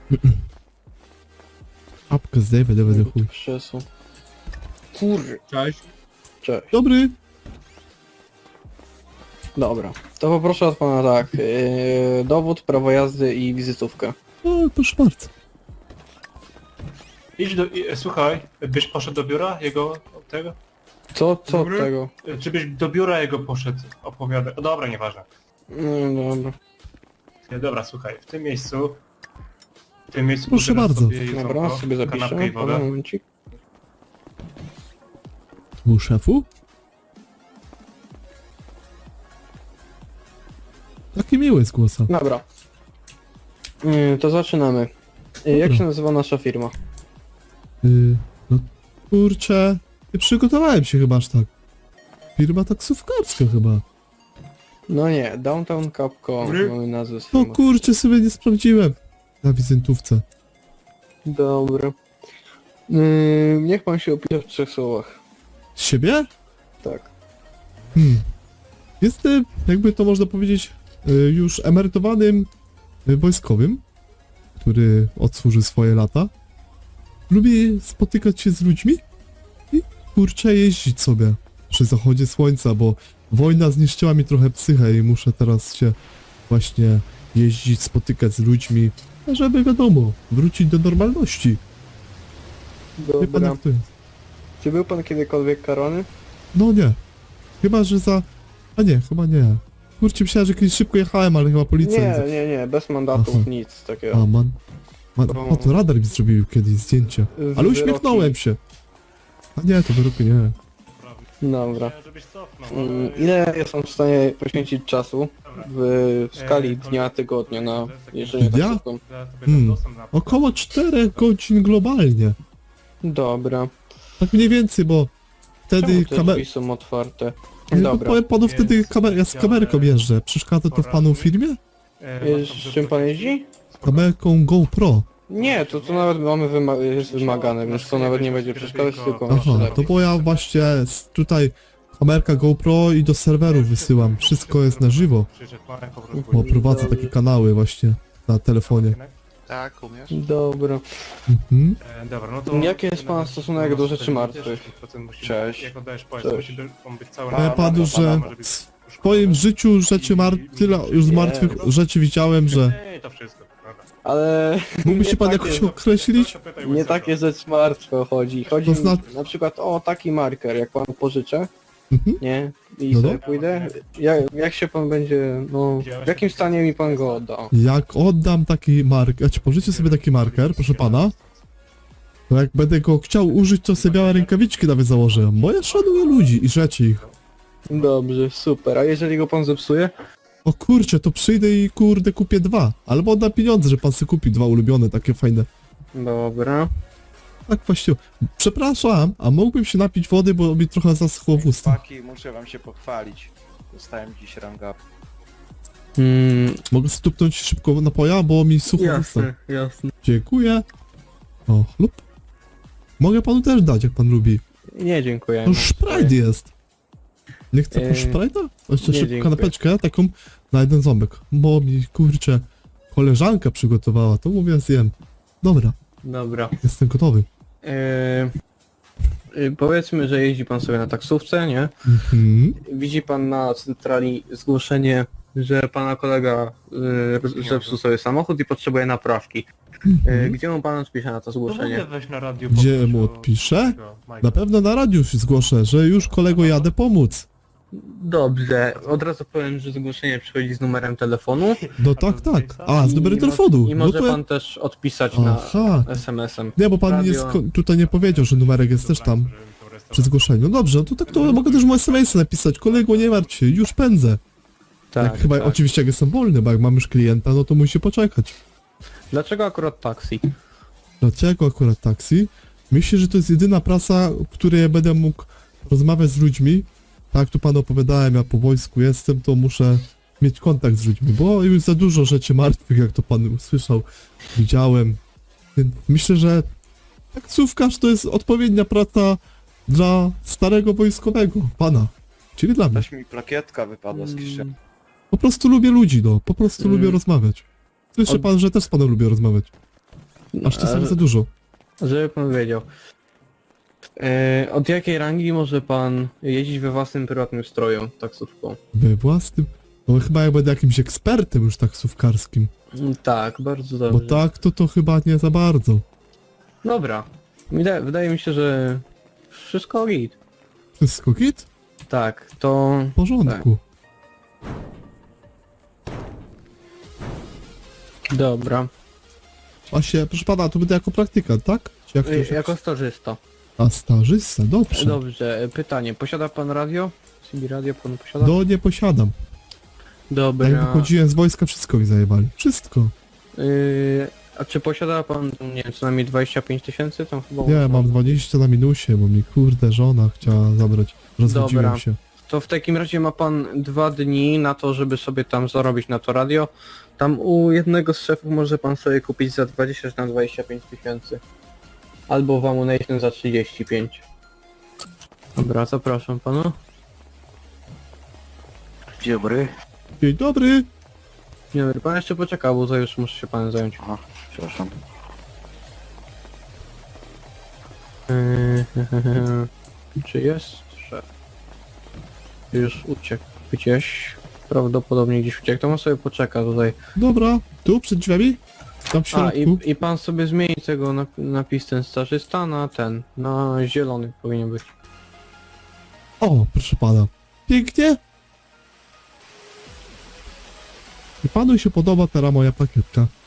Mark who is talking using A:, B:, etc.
A: Apkę zdejmę, do chuj.
B: Krzesło. Kurde.
C: Cześć.
B: Cześć.
A: Dobry.
B: Dobra. To poproszę od pana tak. Dowód, prawo jazdy i wizytówkę.
A: O, proszę bardzo.
C: Idź do... Słuchaj, byś poszedł do biura jego... tego?
B: Co od
C: Dobry?
B: tego?
C: Czy byś do biura jego poszedł? Opowiadać. O, dobra, nieważne.
B: No dobra.
C: Dobra, słuchaj, w tym miejscu... W tym miejscu...
A: Proszę
C: pobierasz
A: bardzo.
C: sobie jedzonko,
B: Dobra, sobie
C: kanapkę
B: zapiszę.
C: i wodę.
B: Momencik.
A: U szefu? Taki miły z głosa.
B: Dobra. To zaczynamy. Jak
A: Dobra.
B: się nazywa nasza firma?
A: No kurczę, nie przygotowałem się chyba aż tak. Firma taksówkarska chyba.
B: No nie, Downtown Capco
C: Dobry.
B: mamy nazwę
A: No
B: firmy.
A: kurczę, sobie nie sprawdziłem. Na wizytówce.
B: Dobra. Niech pan się opisze w 3 słowach.
A: Z siebie?
B: Tak.
A: Jestem, jakby to można powiedzieć, już emerytowanym wojskowym, który odsłuży swoje lata. Lubię spotykać się z ludźmi i kurczę jeździć sobie przy zachodzie słońca, bo wojna zniszczyła mi trochę psychę i muszę teraz się właśnie jeździć, spotykać z ludźmi, żeby wiadomo, wrócić do normalności. Wie pan
B: Dobra.
A: jak to jest?
B: Czy był pan kiedykolwiek karany?
A: No nie. Chyba, że za... A nie, chyba nie. Kurczę, myślałem, że kiedyś szybko jechałem, ale chyba policja...
B: Nie, bez mandatów,
A: Aha.
B: nic takiego.
A: A, o, to radar mi zrobił kiedyś zdjęcie. Ale
B: Wyroki.
A: uśmiechnąłem się. A nie, to wyroku nie.
B: Dobra.
C: Żebyś cofnął.
B: Ile jestem w stanie poświęcić czasu
C: Dobra.
B: w skali dnia, tygodnia na jeżdżenie
A: Dnia?
B: taksówką?
C: Ja tobie dam dostęp na...
A: Około 4 godzin globalnie.
B: Dobra.
A: Tak mniej więcej, bo wtedy
B: Czemu te
A: kamer...
B: drzwi są otwarte?
A: No,
B: Dobra.
A: powiem panu, wtedy
C: Więc
A: ja z kamerką jeżdżę. Przeszkadza to w panu w firmie?
B: Z czym pan jeździ?
A: Kamerką GoPro.
B: Nie, to nawet mamy jest wymagane, więc to nawet nie będzie przeszkadzać, tylko
A: Aha,
B: jeszcze
A: to
B: lepiej.
A: bo ja właśnie tutaj kamerka GoPro i do serwerów wysyłam. Wszystko jest na żywo. Bo prowadzę takie kanały właśnie na telefonie.
D: Tak, umiesz?
B: Dobra.
A: Mhm.
C: Dobra, no to...
B: Jaki jest pana stosunek do rzeczy martwych?
D: Cześć.
C: Jak oddajesz
B: Cześć.
C: pojazd, musi on być cały
A: Powiem panu,
C: dobra,
A: że
C: może być
A: w swoim życiu rzeczy tyle już z martwych rzeczy widziałem, że...
C: Nie, to wszystko. Dobra.
B: Ale
A: Mógłby się
B: nie
A: pan
B: takie-
A: jakoś określić?
C: To pytaj
B: nie
C: łysego.
B: takie rzeczy martwe chodzi. Chodzi
A: To znaczy-
B: na przykład o taki marker, jak pan pożyczę,
A: Mhm.
B: nie? I
A: No
B: sobie
A: dobra.
B: pójdę. Jak się pan będzie, no... W jakim stanie mi pan go odda?
A: Jak oddam taki marker, ja ci pożyczę sobie taki marker, proszę pana, to jak będę go chciał użyć, to sobie białe rękawiczki nawet założę, bo ja szanuję ludzi i rzeczy ich.
B: Dobrze, super. A jeżeli go pan zepsuje?
A: O kurczę, to przyjdę i kurde kupię 2, albo oddam pieniądze, że pan sobie kupi 2 ulubione, takie fajne.
B: Dobra.
A: Tak właściwie. Przepraszam, a mógłbym się napić wody, bo mi trochę zaschło w ustach.
D: Chłopaki, muszę wam się pochwalić. Dostałem dziś ranga.
A: Mogę stupnąć szybko napoja, bo mi sucho w ustach.
B: jasne.
A: Dziękuję. O, lub. Mogę panu też dać, jak pan lubi.
B: Nie, dziękuję.
A: To Sprite jest. Nie chce pan
B: Eee,
A: Sprite'a? Jeszcze
B: nie,
A: szybko
B: dziękuję.
A: kanapeczkę, taką na jeden ząbek. Bo mi, kurczę, koleżanka przygotowała, to mówię zjem. Dobra,
B: Dobra.
A: jestem gotowy.
B: Powiedzmy, że jeździ pan sobie na taksówce, nie?
A: Mhm.
B: Widzi pan na centrali zgłoszenie, że pana kolega zepsuł sobie samochód i potrzebuje naprawki. Gdzie mu pan odpisze na to
C: To w ogóle
B: zgłoszenie?
C: weź na radio
A: Gdzie
C: poproś
A: mu
C: o
A: odpiszę?
C: tego Majka.
A: Na pewno na radiu się zgłoszę, że już kolego jadę pomóc.
B: Dobrze, od razu powiem, że zgłoszenie przychodzi z numerem telefonu.
A: No tak, tak. A, z numerem
B: I
A: telefonu.
B: I
A: No
B: może
A: to ja...
B: pan też odpisać na
A: Aha.
B: SMS-em.
A: Nie, bo pan
B: Radio.
A: tutaj nie powiedział, że numerek jest też tam przy zgłoszeniu. No dobrze, no to tak to mogę też mu SMS napisać. Kolego, nie martw się, już pędzę. Jak chyba oczywiście jak jestem wolny, bo jak mam już klienta, no to musi poczekać.
B: Dlaczego akurat taksi?
A: Dlaczego akurat taksi? Myślę, że to jest jedyna prasa, w której ja będę mógł rozmawiać z ludźmi. Tak jak tu panu opowiadałem, ja po wojsku jestem, to muszę mieć kontakt z ludźmi, bo już za dużo rzeczy martwych, jak to pan usłyszał, widziałem. Więc myślę, że taksówkarz to jest odpowiednia praca dla starego wojskowego, pana. Czyli dla mnie.
D: Też mi plakietka wypadła z kieszeni.
A: Po prostu lubię ludzi, no. Po prostu
B: Mm.
A: lubię rozmawiać. Słyszy
B: Od-
A: pan, że też z panem lubię rozmawiać. Aż czasami za dużo.
B: Żeby pan wiedział. Od jakiej rangi może pan jeździć we własnym prywatnym stroju taksówką?
A: We własnym... No chyba jak będę jakimś ekspertem już taksówkarskim.
B: Tak, bardzo
A: Bo
B: dobrze.
A: tak to chyba nie za bardzo.
B: Dobra. Wydaje mi się, że wszystko git.
A: Wszystko git?
B: Tak, to...
A: W porządku.
B: Dobra.
A: Właśnie, proszę pana, to będę jako praktykant, tak? Czy jak to się...
B: Jako stażysta.
A: A stażysta, dobrze.
B: Dobrze, pytanie. Posiada pan radio? CB radio pan posiada?
A: No nie posiadam.
B: Dobra.
A: Jak wychodziłem z wojska, wszystko mi zajebali. Wszystko.
B: A czy posiada pan, nie wiem, co najmniej 25 000? Tam chyba...
A: Nie, mam 20 na minusie, bo mi kurde żona chciała zabrać. Rozwodziłem
B: Dobra.
A: się.
B: To w takim razie ma pan 2 dni na to, żeby sobie tam zarobić na to radio. Tam u jednego z szefów może pan sobie kupić za 20 czy na 25 000. Albo w Ammunition za 35. Dobra, zapraszam pana.
D: Dzień dobry.
A: Dzień dobry.
B: Dzień dobry, pan jeszcze poczeka, bo to już muszę się panem zająć.
D: Aha, przepraszam.
B: Czy jest szef? Już uciekł gdzieś. Prawdopodobnie gdzieś uciekł, to on sobie poczeka tutaj.
A: Dobra, tu przed drzwiami? Tam w
B: A,
A: środku.
B: i pan sobie zmieni tego napis ten starzysta na ten, na zielony powinien być.
A: O, proszę pana. Pięknie. I panu się podoba teraz moja plakietka.